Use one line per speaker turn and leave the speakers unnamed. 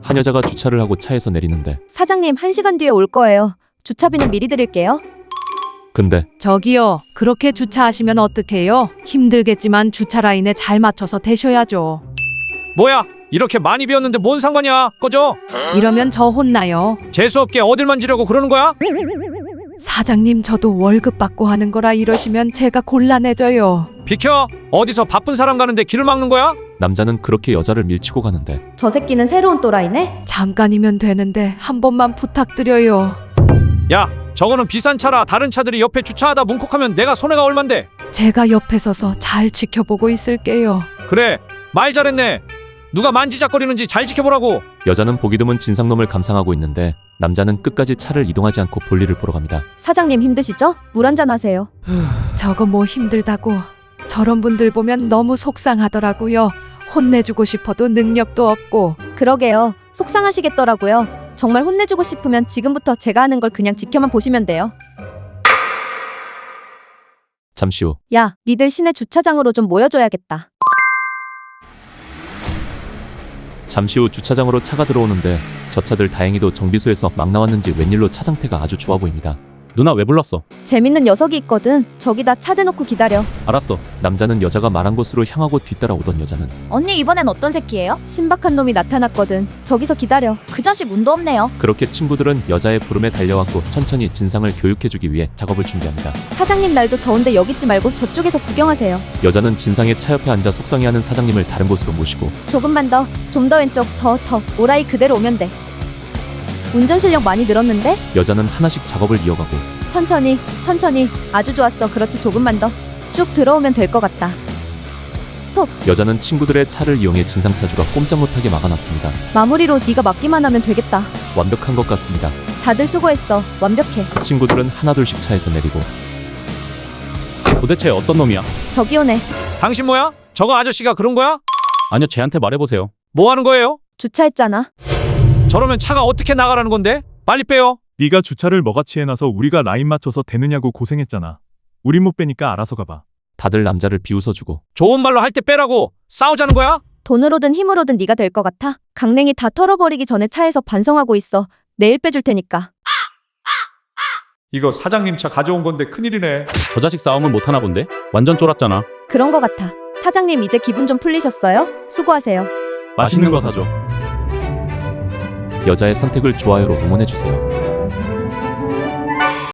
한 여자가 주차를 하고 차에서 내리는데
사장님 1시간 뒤에 올 거예요. 주차비는 미리 드릴게요.
근데
저기요, 그렇게 주차하시면 어떡해요? 힘들겠지만 주차 라인에 잘 맞춰서 대셔야죠.
뭐야? 이렇게 많이 비웠는데 뭔 상관이야? 꺼져.
이러면 저 혼나요.
재수없게 어딜 만지려고 그러는 거야?
사장님, 저도 월급 받고 하는 거라 이러시면 제가 곤란해져요.
비켜. 어디서 바쁜 사람 가는데 길을 막는 거야?
남자는 그렇게 여자를 밀치고 가는데
저 새끼는 새로운 또라이네?
잠깐이면 되는데 한 번만 부탁드려요.
야, 저거는 비싼 차라. 다른 차들이 옆에 주차하다 뭉콕하면 내가 손해가 얼만데.
제가 옆에 서서 잘 지켜보고 있을게요.
그래, 말 잘했네. 누가 만지작거리는지 잘 지켜보라고.
여자는 보기 드문 진상놈을 감상하고 있는데 남자는 끝까지 차를 이동하지 않고 볼일을 보러 갑니다.
사장님 힘드시죠? 물 한잔 하세요.
저거 뭐 힘들다고. 저런 분들 보면 너무 속상하더라고요. 혼내주고 싶어도 능력도 없고.
그러게요. 속상하시겠더라고요. 정말 혼내주고 싶으면 지금부터 제가 하는 걸 그냥 지켜만 보시면 돼요.
잠시 후
야, 니들 시내 주차장으로 좀 모여줘야겠다.
주차장으로 차가 들어오는데 저 차들 다행히도 정비소에서 막 나왔는지 웬일로 차 상태가 아주 좋아 보입니다.
누나 왜 불렀어?
재밌는 녀석이 있거든. 저기다 차 대놓고 기다려.
알았어.
남자는 여자가 말한 곳으로 향하고 뒤따라 오던 여자는
언니 이번엔 어떤 새끼예요?
신박한 놈이 나타났거든. 저기서 기다려.
그 자식 운도 없네요.
그렇게 친구들은 여자의 부름에 달려왔고 천천히 진상을 교육해주기 위해 작업을 준비합니다.
사장님 날도 더운데 여기 있지 말고 저쪽에서 구경하세요.
여자는 진상의 차 옆에 앉아 속상해하는 사장님을 다른 곳으로 모시고
조금만 더. 좀 더 왼쪽. 더. 오라이 그대로 오면 돼. 운전 실력 많이 늘었는데?
여자는 하나씩 작업을 이어가고
천천히. 아주 좋았어. 그렇지, 조금만 더. 쭉 들어오면 될 것 같다. 스톱.
여자는 친구들의 차를 이용해 진상차주가 꼼짝 못하게 막아놨습니다.
마무리로 네가 막기만 하면 되겠다.
완벽한 것 같습니다.
다들 수고했어. 완벽해.
친구들은 하나둘씩 차에서 내리고
도대체 어떤 놈이야?
저기 오네.
당신 뭐야? 저거 아저씨가 그런 거야?
아니요, 쟤한테 말해보세요.
뭐 하는 거예요?
주차했잖아.
저러면 차가 어떻게 나가라는 건데? 빨리 빼요.
네가 주차를 뭐같이 해놔서 우리가 라인 맞춰서 되느냐고 고생했잖아. 우린 못 빼니까 알아서 가봐.
다들 남자를 비웃어주고
좋은 말로 할 때 빼라고. 싸우자는 거야?
돈으로든 힘으로든 네가 될 것 같아? 강냉이 다 털어버리기 전에 차에서 반성하고 있어. 내일 빼줄 테니까.
이거 사장님 차 가져온 건데 큰일이네.
저 자식 싸움은 못하나 본데? 완전 쫄았잖아.
그런 것 같아. 사장님 이제 기분 좀 풀리셨어요? 수고하세요.
맛있는 거 사줘.
여자의 선택을 좋아요로 응원해주세요.